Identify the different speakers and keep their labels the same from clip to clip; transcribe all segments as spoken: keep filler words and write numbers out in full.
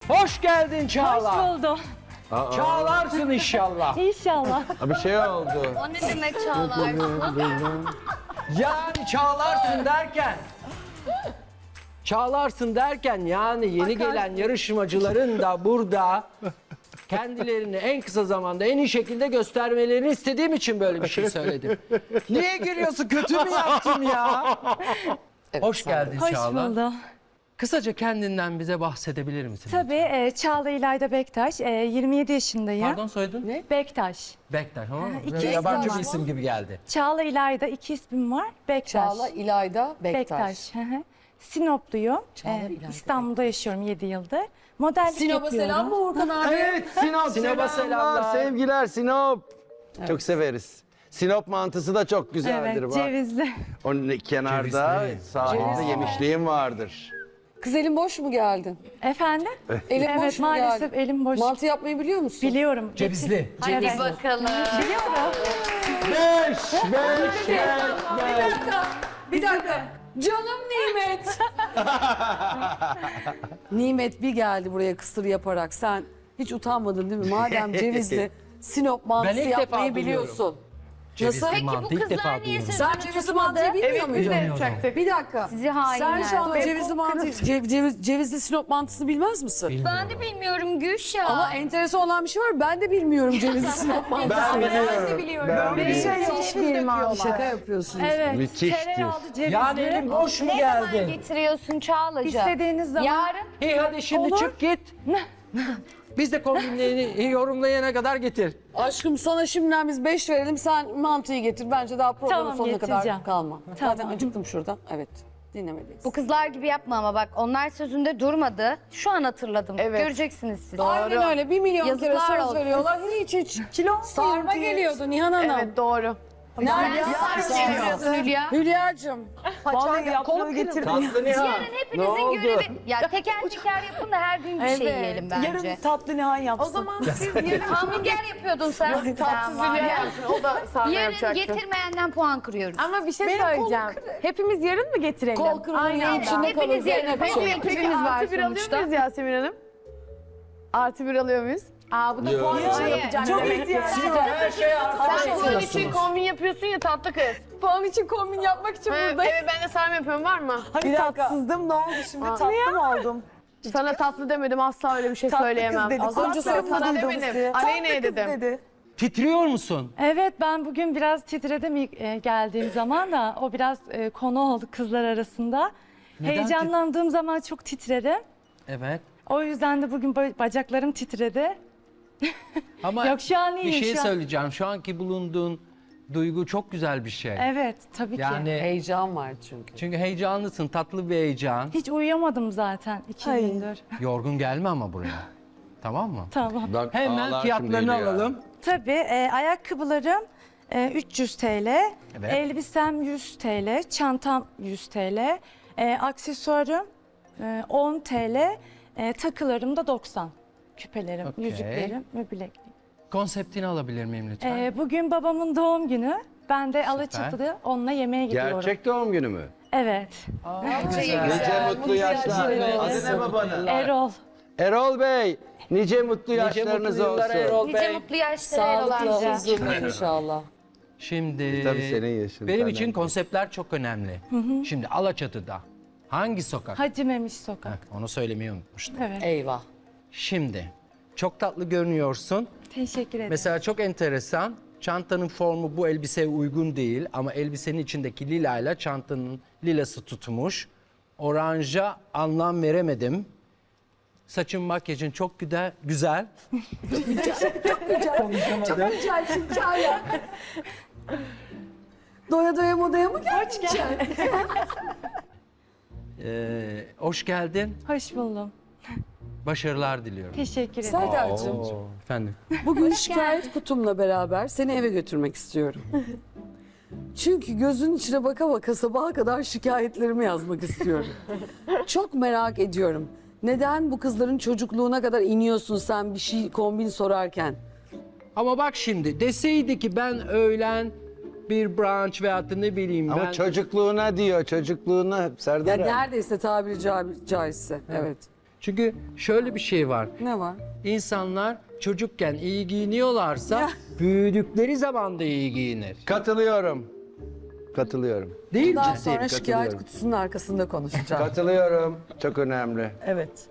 Speaker 1: Hoş geldin Çağla.
Speaker 2: Hoş buldum.
Speaker 1: Çağlarsın inşallah.
Speaker 2: İnşallah.
Speaker 3: Bir şey oldu.
Speaker 4: O ne demek çağlarsın?
Speaker 1: Yani çağlarsın derken. Çağlarsın derken yani yeni gelen yarışmacıların da burada kendilerini en kısa zamanda en iyi şekilde göstermelerini istediğim için böyle bir şey söyledim. Niye gülüyorsun? Kötü mü yaptım ya? Hoş geldin
Speaker 2: Hoş
Speaker 1: Çağla.
Speaker 2: buldum.
Speaker 1: Kısaca kendinden bize bahsedebilir misin?
Speaker 2: Tabii e, Çağla İlayda Bektaş. E, yirmi yedi yaşındayım.
Speaker 1: Pardon soyadın? Ne?
Speaker 2: Bektaş.
Speaker 1: Bektaş. Ha,
Speaker 2: iki
Speaker 1: biraz
Speaker 2: isim
Speaker 1: yabancı
Speaker 2: var.
Speaker 1: bir isim gibi geldi.
Speaker 2: Çağla İlayda iki ismim var. Bektaş.
Speaker 5: Çağla İlayda Bektaş.
Speaker 2: Bektaş. hı hı. Sinopluyum.
Speaker 5: Çağla
Speaker 2: E,
Speaker 5: İlayda
Speaker 2: İstanbul'da yaşıyorum yedi yıldır. Modellik
Speaker 5: Sinop'a
Speaker 2: yapıyorum.
Speaker 5: selam mı Orkan abi?
Speaker 3: Evet Sinop,
Speaker 1: Sinop'a
Speaker 3: selamlar,
Speaker 1: selamlar.
Speaker 3: sevgiler Sinop. Çok severiz. Sinop mantısı da çok güzeldir.
Speaker 2: Evet,
Speaker 3: bak.
Speaker 2: cevizli.
Speaker 3: Onun kenarda
Speaker 1: Cevizli.
Speaker 3: sahilde yemişliğim vardır.
Speaker 5: Kız elin boş mu geldin?
Speaker 2: Efendim?
Speaker 5: Elin boş
Speaker 2: Evet,
Speaker 5: mu
Speaker 2: maalesef
Speaker 5: geldin?
Speaker 2: elim boş.
Speaker 5: Mantı yapmayı biliyor musun?
Speaker 2: Biliyorum.
Speaker 1: Cevizli.
Speaker 4: Hadi
Speaker 2: Evet.
Speaker 4: bakalım.
Speaker 2: Biliyorum.
Speaker 3: Beş, beş, beş,
Speaker 5: Bir dakika, bir dakika. Canım Nimet. Nimet bir geldi buraya kısır yaparak. Sen hiç utanmadın değil mi? Madem cevizli Sinop mantısı
Speaker 1: Ben ilk defa
Speaker 5: yapmayı
Speaker 1: duyuyorum.
Speaker 5: biliyorsun.
Speaker 1: Cevizli
Speaker 5: Nasıl?
Speaker 1: mantı
Speaker 4: Bu
Speaker 1: ilk
Speaker 4: kızlar
Speaker 1: defa
Speaker 4: niye
Speaker 1: duyuyorum.
Speaker 4: siz-
Speaker 5: Sen cevizli mantıyı bilmiyor muydun?
Speaker 1: Bilmiyordum.
Speaker 5: Bir dakika.
Speaker 4: Sizi hainler.
Speaker 5: Sen şu an cevizli mantı, cev- ceviz, cevizli Sinop mantısını bilmez misin?
Speaker 4: Ben de bilmiyorum Gülşah.
Speaker 5: Ama enteresan olan bir şey var. Ben de bilmiyorum cevizli Sinop mantısını.
Speaker 3: Ben biliyorum. Ben
Speaker 5: Bir şey
Speaker 3: biliyorum.
Speaker 5: yok.
Speaker 2: Hiçbir mantı.
Speaker 5: Şaka yapıyorsunuz.
Speaker 2: Evet.
Speaker 3: Müthiştir.
Speaker 2: Tereyağlı cevizli.
Speaker 1: Yani elim boş mu
Speaker 4: Ne zaman
Speaker 1: geldin?
Speaker 4: getiriyorsun Çağla'cığım?
Speaker 2: İstediğiniz zaman.
Speaker 4: Yarın.
Speaker 1: İyi hadi şimdi
Speaker 2: Olur.
Speaker 1: çık git. Biz de kombinlerini yorumlayana kadar getir.
Speaker 5: Aşkım sana şimdiden biz beş verelim. Sen mantıyı getir. Bence daha programın
Speaker 2: Tamam,
Speaker 5: sonuna
Speaker 2: getireceğim.
Speaker 5: kadar kalma.
Speaker 2: Tamam.
Speaker 5: Zaten acıktım şurada. Evet. Dinlemeliyiz.
Speaker 4: Bu kızlar gibi yapma ama bak onlar sözünde durmadı. Şu an hatırladım.
Speaker 5: Evet.
Speaker 4: Göreceksiniz siz.
Speaker 5: Aynen öyle. Bir milyon kere
Speaker 4: Yazıklar
Speaker 5: söz
Speaker 4: olsun.
Speaker 5: veriyorlar. Hiç hiç. Kilo sarma geliyordu Nihan Hanım. Evet doğru.
Speaker 4: Nerede sarıyorsun Hülya?
Speaker 5: Hülya'cığım.
Speaker 6: Vallahi yaprağı getirdim.
Speaker 1: Tatlı Nihan.
Speaker 4: Yarın hepinizin görevi. Ya teker teker yapın da her gün bir şey yiyelim bence.
Speaker 6: Yarın tatlı Nihan yapsın.
Speaker 4: O zaman siz yarın hamburger yapıyordun sen. Tatsız
Speaker 6: O da sarma
Speaker 4: Yarın
Speaker 6: yapacaktı.
Speaker 4: getirmeyenden puan kırıyoruz.
Speaker 6: Ama bir şey söyleyeceğim. Hepimiz yarın mı getirelim?
Speaker 5: Kol kırılığının içinde kalır.
Speaker 4: Hepiniz yarın.
Speaker 5: Zeynep
Speaker 4: Hep
Speaker 5: Hanım.
Speaker 4: bir ekibimiz var
Speaker 6: Artı bir alıyor
Speaker 4: sonuçta.
Speaker 6: muyuz Yasemin Hanım? Artı bir alıyor muyuz? Aa bu da
Speaker 3: Yok.
Speaker 6: puan için
Speaker 4: Hayır.
Speaker 6: yapacağım.
Speaker 5: Çok
Speaker 6: demek.
Speaker 5: ihtiyacım
Speaker 1: Her şey
Speaker 6: Sen puan için kombin yapıyorsun ya tatlı kız. Puan için kombin yapmak için buradayım. Evet ben de sarma yapıyorum var mı?
Speaker 7: Bir tatsızdım ne oldu şimdi tatlı mı oldum?
Speaker 6: Sana tatlı demedim asla öyle bir şey
Speaker 7: Tatlı
Speaker 6: söyleyemem.
Speaker 7: kız dedi.
Speaker 5: Az önce
Speaker 7: Kulaklarım
Speaker 5: sana
Speaker 7: duydu
Speaker 6: demedim.
Speaker 7: sizi.
Speaker 6: Aleyna'ya
Speaker 7: Tatlı kız
Speaker 6: dedim.
Speaker 7: dedi.
Speaker 1: Titriyor musun?
Speaker 2: Evet, ben bugün biraz titredim ilk e, geldiğim zaman da o biraz e, konu oldu kızlar arasında.
Speaker 1: Neden
Speaker 2: Heyecanlandığım zaman çok titrerim.
Speaker 1: Evet.
Speaker 2: O yüzden de bugün ba- bacaklarım titredi.
Speaker 1: Ama
Speaker 2: Yok, şu an
Speaker 1: bir
Speaker 2: iyiyim,
Speaker 1: şey
Speaker 2: şu an.
Speaker 1: söyleyeceğim. Şu anki bulunduğun duygu çok güzel bir şey.
Speaker 2: Evet, tabii ki.
Speaker 1: Yani
Speaker 5: Heyecan var çünkü.
Speaker 1: çünkü heyecanlısın, tatlı bir heyecan.
Speaker 2: Hiç uyuyamadım zaten iki
Speaker 7: Ay.
Speaker 2: gündür.
Speaker 1: Yorgun gelme ama buraya. Tamam mı?
Speaker 2: Tamam.
Speaker 3: Bak,
Speaker 1: Hemen
Speaker 3: ağlar
Speaker 1: fiyatlarını
Speaker 3: şimdi Hülya.
Speaker 1: alalım.
Speaker 2: Tabii, e, ayakkabılarım e, üç yüz TL,
Speaker 1: Evet.
Speaker 2: elbisem yüz TL, çantam yüz TL, e, aksesuarım e, on TL, e, takılarım da doksan. Küpelerim,
Speaker 1: Okey.
Speaker 2: yüzüklerim ve bilekliğim.
Speaker 1: Konseptini alabilir miyim lütfen?
Speaker 2: E, bugün babamın doğum günü. Ben de Alaçatı'da onunla yemeğe gidiyorum.
Speaker 3: Gerçek doğum günü mü?
Speaker 2: Evet.
Speaker 3: Nice mutlu yaşlar. Adı ne babanın?
Speaker 2: Erol.
Speaker 3: Erol Bey, nice mutlu
Speaker 1: Nice
Speaker 3: yaşlarınız
Speaker 1: mutlu yıllar
Speaker 3: olsun.
Speaker 1: Erol
Speaker 4: Nice
Speaker 1: Bey.
Speaker 4: mutlu yaşlara Erol
Speaker 5: Sağlıklı,
Speaker 4: amca.
Speaker 5: huzurlu inşallah.
Speaker 1: Şimdi
Speaker 3: Tabii senin yaşın
Speaker 1: benim
Speaker 3: senden
Speaker 1: için
Speaker 3: küçük.
Speaker 1: konseptler çok önemli. Şimdi Alaçatı'da hangi sokak?
Speaker 2: Hacı Memiş Sokak.
Speaker 1: Heh, onu söylemeyi unutmuştum.
Speaker 2: Evet.
Speaker 5: Eyvah.
Speaker 1: Şimdi çok tatlı görünüyorsun.
Speaker 2: Teşekkür ederim.
Speaker 1: Mesela çok enteresan. Çantanın formu bu elbiseye uygun değil ama elbisenin içindeki lilayla çantanın lilası tutmuş. Oranja anlam veremedim. Saçın makyajın çok güzel. Güzel. Konuşamadım.
Speaker 5: Güzel hikaye. Doya doya modaya mı geldin?
Speaker 1: Ee, hoş geldin.
Speaker 2: Hoş buldum.
Speaker 1: Başarılar diliyorum.
Speaker 2: Teşekkür ederim.
Speaker 5: Serdar'cığım,
Speaker 1: Efendim.
Speaker 5: bugün şikayet kutumla beraber seni eve götürmek istiyorum. Çünkü gözünün içine baka baka sabaha kadar şikayetlerimi yazmak istiyorum. Çok merak ediyorum. Neden bu kızların çocukluğuna kadar iniyorsun sen bir şey kombin sorarken?
Speaker 1: Ama bak şimdi deseydi ki ben öğlen bir brunch veyahut da ne bileyim
Speaker 3: Ama
Speaker 1: ben...
Speaker 3: çocukluğuna diyor, çocukluğuna
Speaker 5: Ya
Speaker 3: Serdar.
Speaker 5: neredeyse tabiri ca- caizse. Evet.
Speaker 1: Çünkü şöyle bir şey var.
Speaker 5: Ne var?
Speaker 1: İnsanlar çocukken iyi giyiniyorlarsa büyüdükleri zaman da iyi giyinir.
Speaker 3: Katılıyorum. Katılıyorum.
Speaker 1: Değil mi?
Speaker 5: Daha
Speaker 3: Ciddiyim,
Speaker 5: sonra şikayet
Speaker 3: katılıyorum.
Speaker 5: kutusunun arkasında konuşacağım.
Speaker 3: Katılıyorum. Çok önemli.
Speaker 5: Evet.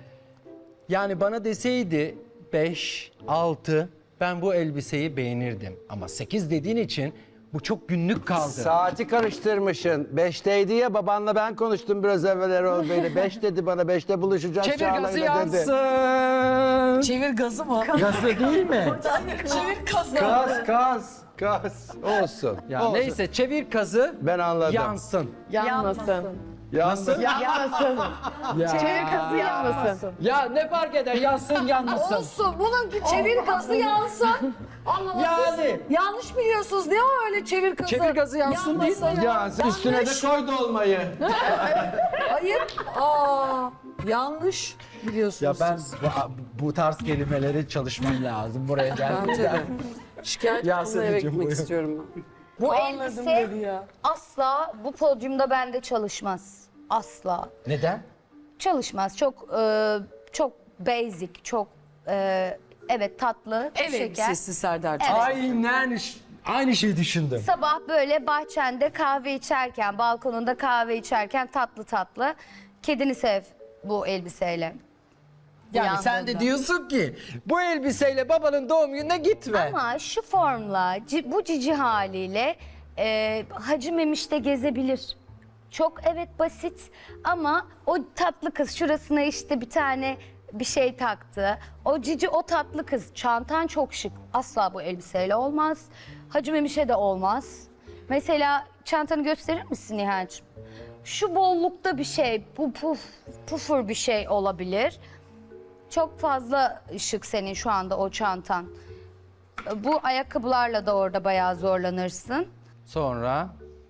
Speaker 1: Yani bana deseydi beş, altı ben bu elbiseyi beğenirdim. Ama sekiz dediğin için bu çok günlük kaldı.
Speaker 3: Saati karıştırmışsın. Beşteydi ya, babanla ben konuştum biraz evvel Erol Bey'le. Beş dedi bana, beşte buluşacağız
Speaker 1: Çevir
Speaker 3: Çağla'yla
Speaker 1: gazı
Speaker 3: dedi.
Speaker 1: yansın.
Speaker 5: Çevir gazı mı?
Speaker 1: Gazı değil mi?
Speaker 5: Çevir gazı.
Speaker 3: Kaz, kaz, kaz. Olsun.
Speaker 1: Ya
Speaker 3: olsun.
Speaker 1: neyse çevir kazı
Speaker 3: Ben anladım.
Speaker 1: yansın.
Speaker 6: Yanmasın.
Speaker 3: Yansın.
Speaker 6: Yanmasın. Çevir kazı yanmasın.
Speaker 1: Ya ne fark eder yansın yanmasın.
Speaker 5: Olsun. Bunun çevir gazı yansın. Ama
Speaker 1: Yani.
Speaker 5: siz yanlış biliyorsunuz. Ne o öyle çevir gazı?
Speaker 1: Çevir gazı yansın değil mi?
Speaker 5: Yanmasın.
Speaker 3: Yansın. Üstüne de
Speaker 5: Yanlış.
Speaker 3: koy dolmayı.
Speaker 5: Hayır. Aa, yanlış biliyorsunuz
Speaker 1: Ya ben
Speaker 5: siz.
Speaker 1: bu, bu tarz kelimeleri çalışmam lazım buraya
Speaker 5: Bence de.
Speaker 1: geldiğimde.
Speaker 5: Şikayet
Speaker 1: Ya
Speaker 5: kutusuna eve
Speaker 1: Selin'cim,
Speaker 5: gitmek
Speaker 1: buyur.
Speaker 5: istiyorum ben.
Speaker 4: Bu
Speaker 5: Anladım
Speaker 4: elbise
Speaker 5: dedi ya.
Speaker 4: asla bu podyumda bende çalışmaz. Asla.
Speaker 1: Neden?
Speaker 4: Çalışmaz. Çok e, çok basic, çok e, evet tatlı,
Speaker 5: Ev
Speaker 4: şeker.
Speaker 5: elbisesi Serdar'cığım.
Speaker 4: Evet.
Speaker 1: Aynen aynı şeyi düşündüm.
Speaker 4: Sabah böyle bahçende kahve içerken, balkonunda kahve içerken tatlı tatlı. Kedini sev bu elbiseyle.
Speaker 1: Yani sen de
Speaker 4: Uyandığında.
Speaker 1: diyorsun ki bu elbiseyle babanın doğum gününe gitme.
Speaker 4: Ama şu formla, ci- bu cici haliyle e, Hacı Memiş'te gezebilir. Çok evet basit ama o tatlı kız şurasına işte bir tane bir şey taktı. O cici o tatlı kız. Çantan çok şık. Asla bu elbiseyle olmaz. Hacı Memiş'e de olmaz. Mesela çantanı gösterir misin Nihal'cığım? Şu bollukta bir şey, bu puf, pufur bir şey olabilir. Çok fazla şık senin şu anda o çantan. Bu ayakkabılarla da orada bayağı zorlanırsın.
Speaker 1: Sonra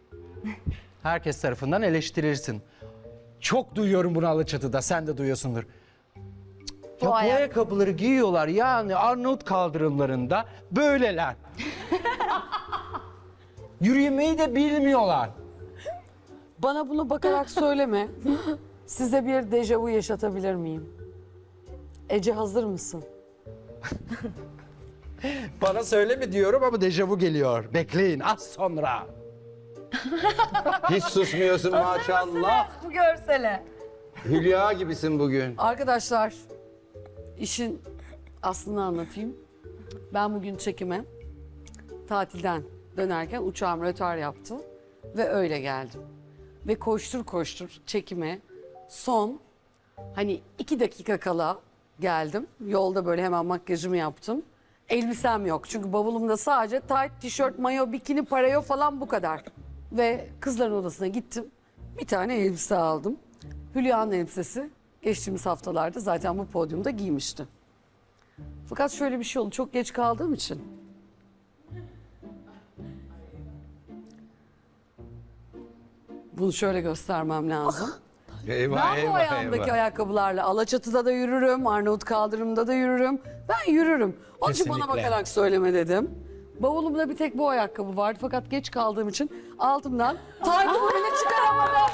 Speaker 1: herkes tarafından eleştirirsin. Çok duyuyorum bunu Alaçatı'da, sen de duyuyorsundur.
Speaker 4: Bu
Speaker 1: Ya bu
Speaker 4: ayak-
Speaker 1: ayakkabıları giyiyorlar yani Arnavut kaldırımlarında böyleler. Yürümeyi de bilmiyorlar.
Speaker 5: Bana bunu bakarak söyleme. Size bir dejavu yaşatabilir miyim? Ece hazır mısın?
Speaker 1: Bana söyleme diyorum ama dejavu geliyor. Bekleyin az sonra.
Speaker 3: Hiç susmuyorsun maşallah.
Speaker 4: Bu görsele.
Speaker 3: Hülya gibisin bugün.
Speaker 5: Arkadaşlar, işin aslını anlatayım. Ben bugün çekime tatilden dönerken uçağım rötar yaptı ve öyle geldim. Ve koştur koştur çekime son hani iki dakika kala geldim. Yolda böyle hemen makyajımı yaptım. Elbisem yok çünkü bavulumda sadece tight, tişört, mayo, bikini, parayo falan bu kadar. Ve kızların odasına gittim. Bir tane elbise aldım. Hülya'nın elbisesi geçtiğimiz haftalarda zaten bu podyumda giymişti. Fakat şöyle bir şey oldu. Çok geç kaldığım için. Bunu şöyle göstermem lazım.
Speaker 3: Eyvah,
Speaker 5: Ben bu ayağımdaki ayakkabılarla Alaçatı'da da yürürüm, Arnavut kaldırımda da yürürüm. Ben yürürüm. Onun için bana
Speaker 1: Kesinlikle.
Speaker 5: bakarak söyleme dedim. Bavulumda bir tek bu ayakkabı vardı fakat geç kaldığım için altımdan taytımı bile çıkaramadım.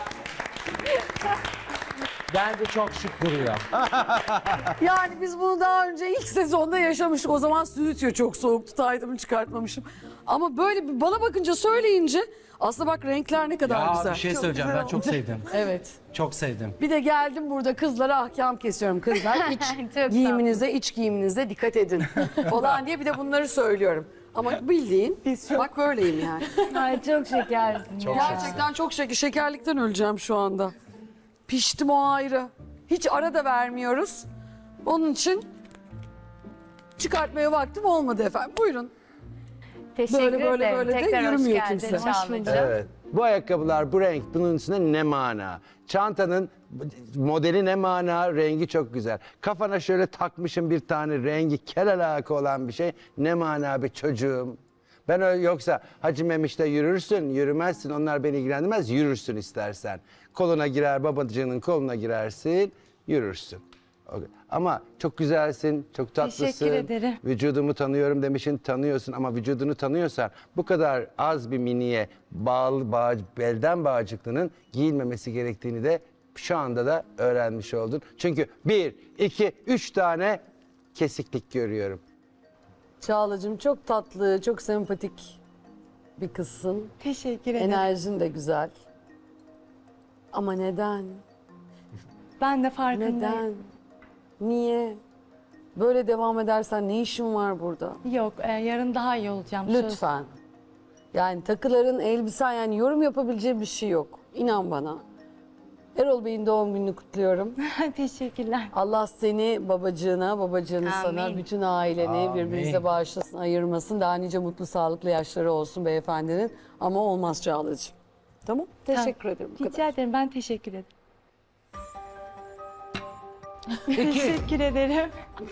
Speaker 1: Bence çok şık duruyor.
Speaker 5: Yani biz bunu daha önce ilk sezonda yaşamıştık. O zaman stüdyo çok soğuktu. Taytımı çıkartmamışım. Ama böyle bir bana bakınca söyleyince aslında bak renkler ne kadar
Speaker 1: Ya
Speaker 5: güzel.
Speaker 1: bir şey
Speaker 5: Çok
Speaker 1: söyleyeceğim
Speaker 5: güzel
Speaker 1: ben çok
Speaker 5: oldu.
Speaker 1: sevdim.
Speaker 5: Evet.
Speaker 1: Çok sevdim.
Speaker 5: Bir de geldim burada kızlara ahkam kesiyorum. Kızlar iç
Speaker 4: Çok
Speaker 5: giyiminize, iç giyiminize dikkat edin falan diye bir de bunları söylüyorum. Ama bildiğin bak böyleyim yani.
Speaker 4: Ay çok şekersin.
Speaker 1: Çok
Speaker 5: Gerçekten çok şeker, şekerlikten öleceğim şu anda. Piştim o ayrı. Hiç ara da vermiyoruz. Onun için çıkartmaya vaktim olmadı efendim. Buyurun.
Speaker 4: Teşekkür
Speaker 5: Böyle, böyle,
Speaker 4: ederim.
Speaker 5: böyle de
Speaker 4: Tekrar hoş
Speaker 5: yürümüyor
Speaker 4: geldin
Speaker 5: kimse. Hoş
Speaker 4: Çağla'cığım.
Speaker 3: Evet. Bu ayakkabılar, bu renk, bunun üstüne ne mana? Çantanın modeli ne mana? Rengi çok güzel. Kafana şöyle takmışım bir tane rengi kel alaka olan bir şey. Ne mana be çocuğum? Ben öyle yoksa Hacı Memiş'te yürürsün, yürümezsin. Onlar beni ilgilendirmez. Yürürsün istersen. Koluna girer, babacığının koluna girersin, yürürsün. Okay. Ama çok güzelsin, çok tatlısın.
Speaker 2: Teşekkür ederim.
Speaker 3: Vücudumu tanıyorum demişsin, tanıyorsun ama vücudunu tanıyorsan bu kadar az bir miniye bağlı bağ, belden bağcıklının giyilmemesi gerektiğini de Şu anda da öğrenmiş oldun. Çünkü bir, iki, üç tane kesiklik görüyorum.
Speaker 5: Çağla'cığım çok tatlı, çok sempatik bir kızsın.
Speaker 2: Teşekkür ederim.
Speaker 5: Enerjin de güzel. Ama neden?
Speaker 2: Ben de farkındayım.
Speaker 5: Neden? Niye? Böyle devam edersen ne işin var burada?
Speaker 2: Yok, e, yarın daha iyi olacağım. söz.
Speaker 5: Lütfen. Yani takıların, elbisen, yani yorum yapabileceği bir şey yok. İnan bana. Erol Bey'in doğum gününü kutluyorum.
Speaker 2: Teşekkürler.
Speaker 5: Allah seni babacığına, babacığını sana,
Speaker 4: Amin.
Speaker 5: bütün aileni birbirinize bağışlasın, ayırmasın. Daha nice mutlu, sağlıklı yaşları olsun beyefendinin. Ama olmaz Çağla'cığım. Tamam? Teşekkür ederim. Bu kadar.
Speaker 2: Rica ederim. Ben teşekkür ederim. Teşekkür ederim.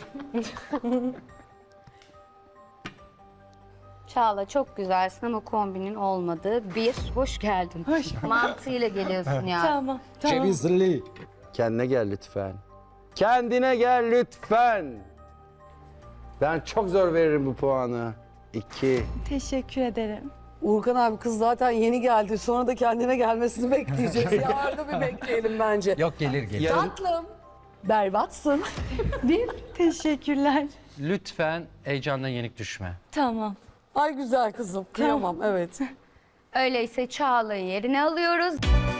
Speaker 4: Çağla çok güzelsin ama kombinin olmadığı bir. Hoş geldin. Mantığıyla geliyorsun yani.
Speaker 2: Tamam. Tamam.
Speaker 3: Kendine gel lütfen. Kendine gel lütfen. Ben çok zor veririm bu puanı. İki.
Speaker 2: Teşekkür ederim.
Speaker 5: Uğurkan abi kız zaten yeni geldi. Sonra da kendine gelmesini bekleyeceğiz. Ya arada bir bekleyelim bence.
Speaker 1: Yok gelir gelir.
Speaker 5: Tatlım. Berbatsın. Bir.
Speaker 2: Teşekkürler.
Speaker 1: Lütfen heyecandan yenik düşme.
Speaker 2: Tamam.
Speaker 5: Ay güzel kızım. Kıyamam evet.
Speaker 4: Öyleyse Çağla'yı yerine alıyoruz.